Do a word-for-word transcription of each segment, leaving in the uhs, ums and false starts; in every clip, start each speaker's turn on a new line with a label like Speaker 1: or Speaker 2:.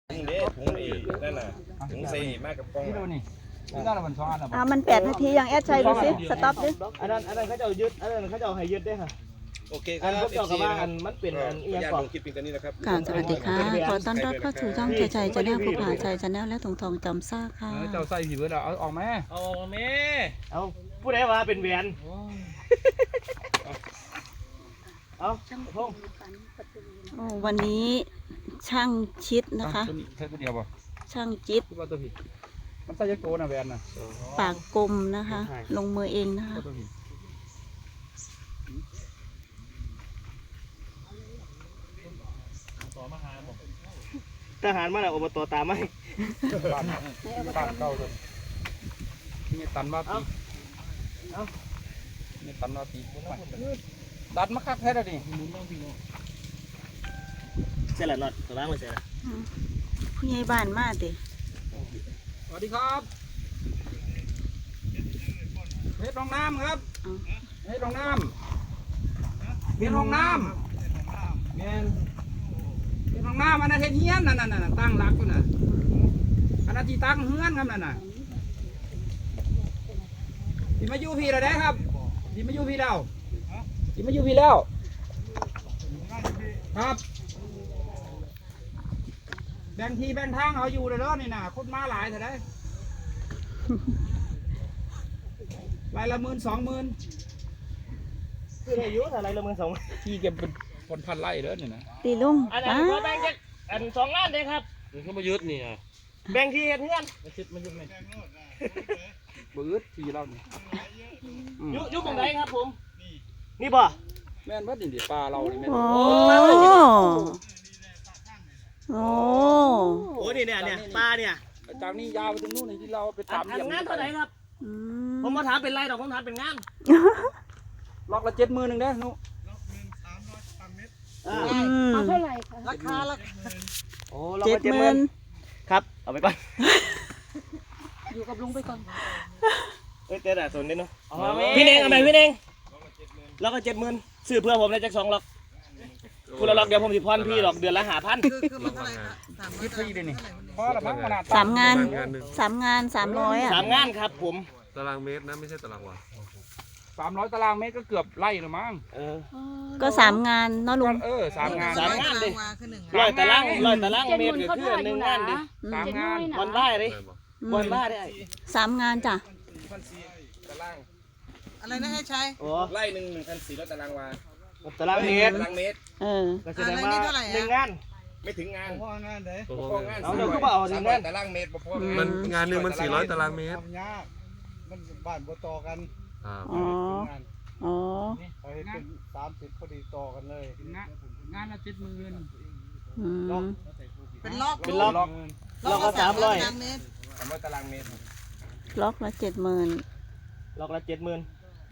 Speaker 1: ถุงเด้ถุงอีนั่นน่ะถุงใส่มากกับกล้องนี่ดูนี่นี่น่าจะมันซ้อนอ่ะ
Speaker 2: มันแปดนาทียังแอดชัยดูสิสต็อปดิ
Speaker 3: อันนั้นอันนั้นเขาจะยึดอันนั้นเขาจะให้ยึดได้ค่ะ
Speaker 1: โอเคครับ
Speaker 3: อันเขาจะว่าอันมันเป็นอันเอียงก่อน
Speaker 1: คลิปเป็นนี้นะครับ
Speaker 2: ค่ะสวัสดีค่ะขอต้อนรับเข้าสู่ช่องชัยชัยชาแนลผู้ผ่าชัยชาแนลและทองทองจำซ่าค่ะ
Speaker 1: เจ้าใส่ผีเบิร์ดเอาออกไหม
Speaker 3: เอาออกไหมเอาผู้ใดว่าเป็นแหวนเอาพง
Speaker 2: โอ้วันนี้ช่างชิดนะคะ
Speaker 1: แค่ตัวเดียวป่ะ
Speaker 2: ช่างจิต
Speaker 1: มันใส่ยักษ์โกนะแหวนน่ะ
Speaker 2: ปากกลมนะคะ ลงมือเองนะคะ
Speaker 3: ทหารมาแล้วอบตตามไหม
Speaker 1: ตันเก้าเลยนี่ตันมาตีนี่ตันมาตีตัดมาคักแท้เลยดิ
Speaker 3: เสร็จแล้วน็อตสว่างไปเสร็จแล้ว
Speaker 2: ผู้ใหญ่บ้านมาดิ
Speaker 1: สวัสดีครับเฮ็ดรองน้ำครับเฮ็ดรองน้ำเฮ็ดรองน้ำเฮ็ดรองน้ำอันนั้นเฮ็ดเฮียนนั่นน่ะตั้งหลักก็น่ะอันนั้นที่ตั้งเฮือนครับนั่นน่ะที่มาอยู่พี่แล้วได้ครับที่มาอยู่พี่แล้วที่มาอยู่พี่แล้วครับแบ่งทีแบ่งทางเอาอยู่เลยเนาะนี่น่ะคนมาหลายเท่าไรรายละหมื่นสองหมื่น
Speaker 3: คืออายุอะไรละหมื่นสอง
Speaker 1: ที่เก็บเป็นคนพันไร่เด้อนี่นะ
Speaker 2: ตีลุง
Speaker 3: อันนั้นแบ่งจากอันสองล้านเลยครับ
Speaker 1: นี่เขามายึดนี่อ่ะ
Speaker 3: แบ่งที่เพื่อน
Speaker 1: มายึดมายึดไหมมายึดทีเราเนี่ย
Speaker 3: ยุยุบตรงไหนครับผมนี่บ่
Speaker 1: แม่นว่าดินดีปลาเรานี่แม่น
Speaker 2: โอ้โอ้
Speaker 3: โหนี่เนี่ยเนี่ยปลาเนี่ย
Speaker 1: จากนี้ยาวไปถึงนู่นที่เราไปตาม
Speaker 3: งานเท่าไหร่ครับผมมาถามเป็นไรหรอกผมถามเป็นงาน
Speaker 1: ล็อกละเจ็ดหมื่นหนึ่งเด้อนุ
Speaker 2: เอาเท่าไหร่คะ
Speaker 3: ราคาละ
Speaker 2: โอ้เจ็ดหมื่น
Speaker 3: ครับเอาไปก่อน
Speaker 2: อยู่กับลุงไปก่อน
Speaker 3: เอ้ยเจ๊ด่าสนนิดเนาะพี่เน่งเอาไปพี่เน่งแล้วก็เจ็ดหมื่นซื้อเพื่อผมได้จากสองล็อกคุณละล็อกเดี๋ยวผมสิพรพี่หรอกเดือนละหาพัน
Speaker 4: คือมันเท่าไหร่ครับสามร้อยนี่
Speaker 2: สามงานสามงานสามร้อยอ่ะ
Speaker 3: สามงานครับผม
Speaker 5: ตารางเมตรนะไม่ใช่ตารางวา
Speaker 1: สามร้อยตารางเมตรก็เกือบไร่หรือมั้ง
Speaker 2: ก็สามงานเนาะลุง
Speaker 1: เออสามงาน
Speaker 3: สามงานดิร้อยตารางร้อยตารางเมตรก็คือหนึ่งงานดิ
Speaker 1: สามงาน
Speaker 3: วันได้ดิวันได้ได้
Speaker 2: สามงานจ้ะ
Speaker 4: อะไรนะให้ใช้
Speaker 1: ไร่หนึ่งหนึ่งพันสี่ร้อยตารางวา
Speaker 3: ตารางเมตร
Speaker 1: ตารางเมตร
Speaker 2: เออ
Speaker 3: ก็แสดงว่าหนึ่งงาน
Speaker 1: ไม่ถึงงาน
Speaker 5: พองานเด้
Speaker 3: อเอาเดี๋ยวก็บอกหนึ่งงาน
Speaker 1: ตารางเมตร
Speaker 5: มันงานหนึ่งมันสี่ร้อยตารางเมตร
Speaker 6: มันบ้านบ่ต่อกัน
Speaker 5: อ๋อ
Speaker 2: อ๋อ
Speaker 6: เขาเห็นเป็นสามสิบพอดีต่อกันเลย
Speaker 1: งานงานละเจ็ดหมื่น
Speaker 4: เป็นล็อก
Speaker 3: เป็นล็อกล็อกละสามร้อย
Speaker 1: สามร้อยตารางเมตร
Speaker 2: ล็อกละเจ็ดหมื่น
Speaker 3: ล็อกละเจ็ดหมื่น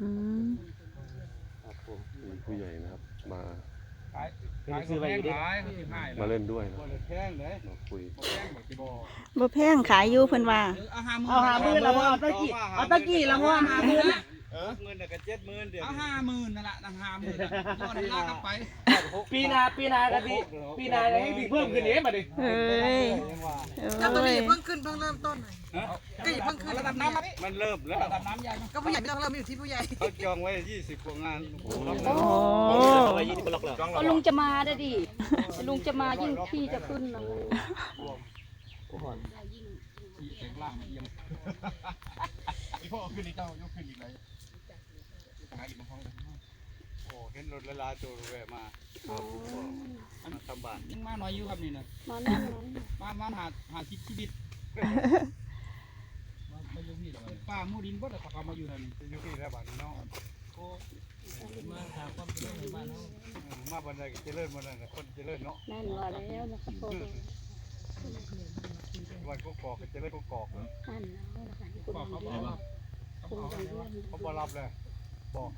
Speaker 5: ผู้ใหญ่นะครับมา
Speaker 3: ซื้อไปอยู่ดิ
Speaker 5: มาเล่นด้วยนะ
Speaker 6: แพงเลย
Speaker 5: มาคุย
Speaker 2: บ่แพงขายอยู่เพิ่นว่า
Speaker 3: เอาห้าหมื่นละพ่อเอาตะกี้เอาตะกี้ละพ่อห้าหมื่น
Speaker 6: เออเงินเดือนกันเจ็ดหมื่นเดือน
Speaker 1: เอาห้าหมื่นนั่นแหละตั้งห้าหมื่นยอดลากกันไป
Speaker 3: ปีนาปีนากันดิปีนาอะไรให้เพิ่มขึ้นเองมาดิ
Speaker 2: เฮ้ย
Speaker 4: แล้วตัวนี้เพิ่งขึ้นเพิ่งเริ่มต้นก็อย่าเพิ่งขึ้น
Speaker 1: ระดับน้ำ
Speaker 6: มันเริ่มแล้ว
Speaker 1: ระดับน้ำใหญ่
Speaker 4: ก็ผู้ใหญ่ไม่ต้องเริ่มอยู่ที่ผู้ใหญ่
Speaker 6: เขาจองไว้ยี่สิบกว่างาน
Speaker 2: โอ้ลุงจะมาได้ดิลุงจะมายิ่งพี่จะขึ้นนะ
Speaker 6: พ่อขึ้นอีกเจ้ายกขึ้นอีกเลยโอ้เห็นรถละลาโจรแวะมาทำบ้าน
Speaker 1: ยังมาหน่อยอยู่ครับนี่นะ
Speaker 2: มาหน่อย
Speaker 1: มามาหาหาชีวิตมาอยู่พี่ป้ามูดินบ่ได้เขามาอยู่นั่น
Speaker 6: อยู่ที่แล้วบ้านน้อง
Speaker 1: มาหาความเจริญในบ้านเขา
Speaker 6: มาบ้านใดเจริญบ้านนั้นคนเจริญเนาะ
Speaker 2: แน่นว่าแล้วนะครับพ่อ
Speaker 6: วันก็กอกเจริญก็กอกนั่น
Speaker 1: บอกเขาบอกว่า
Speaker 6: เขาบอกรับเลยบอก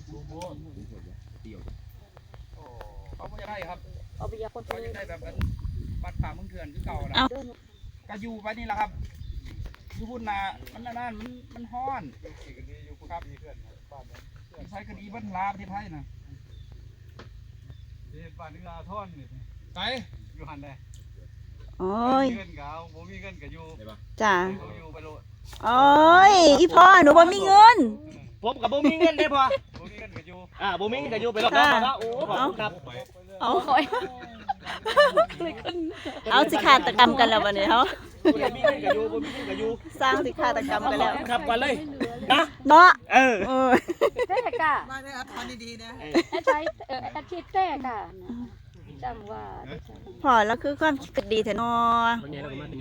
Speaker 1: เขาไม่ได้ครับ
Speaker 2: เอาไปยาคน
Speaker 1: เขาจะได้แบบบัดผ่ามึงเถื่อนที่เก่านะก็อยู่ไปนี่แหละครับอยู่พุ่นนามันนั่นมันมันฮ้อนครับใช้คดีบัตรลาประเทศไทยนะ
Speaker 6: บ้านนึงลาท่อนนี่
Speaker 1: ไป
Speaker 6: อยู่หันได้
Speaker 7: โอ้ย
Speaker 6: เงินก็เอาผมมีเงินก็อยู่
Speaker 7: จ้า
Speaker 6: เขาอยู่ไปโลด
Speaker 7: โอ้ยอีพ่อหนูบ่มีเงิน
Speaker 3: ผมกับบ่มีเงินได้พอ
Speaker 6: ผมมีเงินก็อยู่
Speaker 3: อ่าบ่มีเงินก็อยู่ไปรอบน้ำมาแล้วโอ้ขอบคุณครับ
Speaker 7: เอา
Speaker 2: คอยเลยขึ้น
Speaker 7: เอาสิฆาตกรรมกันแล้ววันนี้เขา
Speaker 3: บ่มีเงินก็อยู่บ่มีเงินก็อยู่
Speaker 7: สร้างสิฆาตกรรมกันแล้ว
Speaker 3: ขับก่อนเลยนะ
Speaker 7: เนาะ
Speaker 3: เออ
Speaker 7: เออ
Speaker 2: เต้กะ
Speaker 4: มาได้อัธดีๆนะ
Speaker 2: แอดใช้เอ่อแอดคิดเต้กะจำว่า
Speaker 7: พอแล้วคือความคิดดีแท้เนาะ
Speaker 2: มา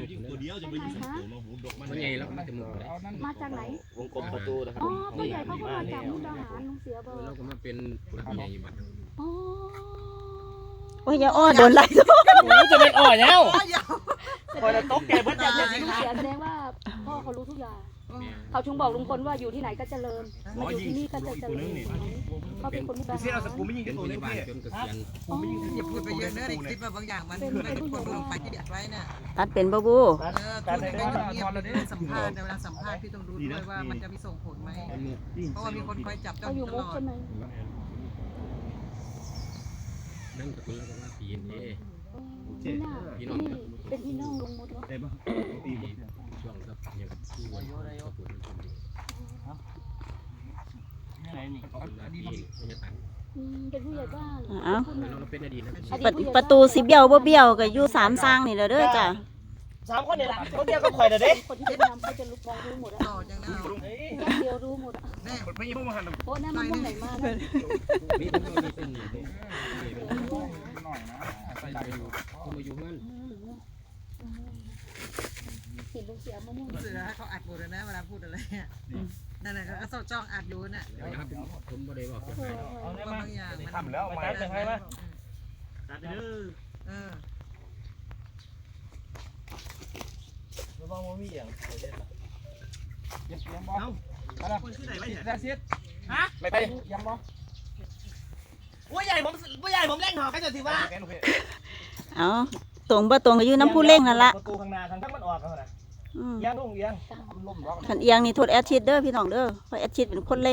Speaker 2: จากไหน
Speaker 3: วงกลมประตูนะครับ
Speaker 2: อ๋อตัวใหญ่เขาก็มาจากมุกดาหารลุงเสียเบอร์
Speaker 8: เราก็มาเป็นผู้รับใหญ่บัด
Speaker 2: อ๋อ
Speaker 7: โอ้ยอย่าอ้อโดนไล่ทุก
Speaker 3: โอ้จะเป็นอ่อยแล้ว
Speaker 4: อ๋อเดี๋ยว
Speaker 3: คอยจะตกแก่เบิดจะจะสิ
Speaker 2: ลุง
Speaker 3: ขา
Speaker 2: เสียแสดงว่าพ่อเขารู้ทุกอย่างเขาถึงบอกลุงพลว่าอยู่ที่ไหนก็เจริญมาอยู่ที่นี่ก็จะเจริญเขาเป็นคนมุกดาหาร
Speaker 8: เป็นพยาบาลจนเกษียณ
Speaker 2: อ๋อ
Speaker 4: อย่าพูดไปเยอะเนอะในคลิปอะบางอย่างมันไม่ทุกคนลงไปที่เด็ดไว้น่ะ
Speaker 7: ตัดเป็นบ่บู
Speaker 4: เออคุณก็เงียบๆเวลาสัมภาษณ์เวลาสัมภาษณ์พี่ต้องดูด้วยว่ามันจะมีส่งผลไหมเพราะว่ามีคนคอยจับจ้อ
Speaker 2: เขา
Speaker 4: ง
Speaker 2: อยู่
Speaker 4: ต
Speaker 2: มุ
Speaker 4: ล
Speaker 2: ก
Speaker 4: อด
Speaker 2: ใช่ไหม
Speaker 8: นั่นก็คือเราก็ว่าปีนเอ
Speaker 2: พี่น่าพี่นี่เป็นพี่น้องลุงมดเนาะ
Speaker 8: ช่วงกับอย่างกับผู้วันก็ปวดมันคนดีดีไม่จะตัน
Speaker 2: อืมเป็นผู้ใหญ่บ้าน
Speaker 7: เอ้า
Speaker 8: เราเป็นอดีตนะ
Speaker 2: อดี
Speaker 7: ป
Speaker 2: ตผู้ใหญ่
Speaker 7: ประตูสิเบี้ยวบ่เบี้ยวก็อยู่สามสร้างนี่แหละเด้อจ้ะ
Speaker 3: สามคนนี่แหละคนเดียวก็ข่อยเด้อเด้
Speaker 2: คนที่เป็นนำเขาจะรู้มองรู้หมดอะ
Speaker 4: ต่อจังนะ
Speaker 2: เดียวรู้หมดอะ
Speaker 4: แน่
Speaker 2: โอ้นั่นมันมุ่งไหนมาเนี่ย
Speaker 8: นี่ต้องมีเส้นนี่เลยเขามาอยู่เพื่อน
Speaker 2: เห็นลุงเสียมะม่วง
Speaker 4: เสือเขาอัดหมดเลยนะเวลาพูดอะไรอ่ะนั่นแหละก็จ้องอัดอยู่น่ะ
Speaker 8: นะครับผมบ่ได้บอก
Speaker 2: เออ
Speaker 4: ว่าบางอย่างมัน
Speaker 3: ทำแล้วมาตัดให้มาตัดเด้อ
Speaker 4: เออ
Speaker 3: ระวังบ่มีหยัง
Speaker 1: เยี่ยมบ่เอาละ
Speaker 3: คนที่ไหนไว้เนี่ย
Speaker 1: ได้เสียด
Speaker 3: ฮะ
Speaker 1: ไม่ไปเยี่ยมบ่
Speaker 3: ผู้ใหญ่ผมผู้ใหญ่ผมเล่นหอกันจะสิว่า
Speaker 1: แกลูกพี่
Speaker 7: เอาตรงบ่ตรงก็อยู่น้ำผู้เล่งนั่นละ
Speaker 3: ประตูข้างหน้าทางทั้งมันออกแล้วนะ
Speaker 7: อืม
Speaker 3: เอียงลุงเอียง
Speaker 1: ล่มร้อง
Speaker 7: ขันเอียงนี่โทษแอดชิดเด้อพี่น้องเด้อเพราะแอดชิดเป็นคนเล่ง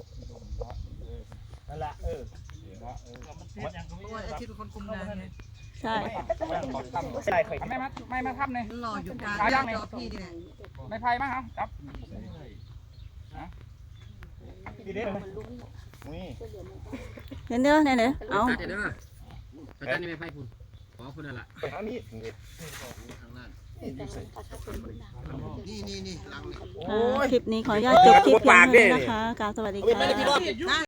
Speaker 3: นั่นแหละเออ
Speaker 4: เพราะว่าไอ้ที่เป็นคนคุมงานไง
Speaker 7: ใช่
Speaker 3: ใช่เคย
Speaker 1: ไม่มาไม่มาทับเลย
Speaker 4: หล่ออยู่กลางจอพี่นี่แหละ
Speaker 1: ไม่ไพ่มาครับจับ
Speaker 3: ดีเด้นี่
Speaker 7: เด้อเด้อเด้อเด้อเอา
Speaker 8: ตัดเด้อตัดนี่ไม่ไพ่คุณขอคุณนั่นแหละ
Speaker 3: ไปหามีด
Speaker 8: ทางล่าง
Speaker 4: นี่นี่นี่หลังนี่
Speaker 7: อ่าคลิปนี้ขออนุญาตจบคลิปเพียงเท่านี้นะคะกราบสวัสดีค่ะ
Speaker 4: นั่ง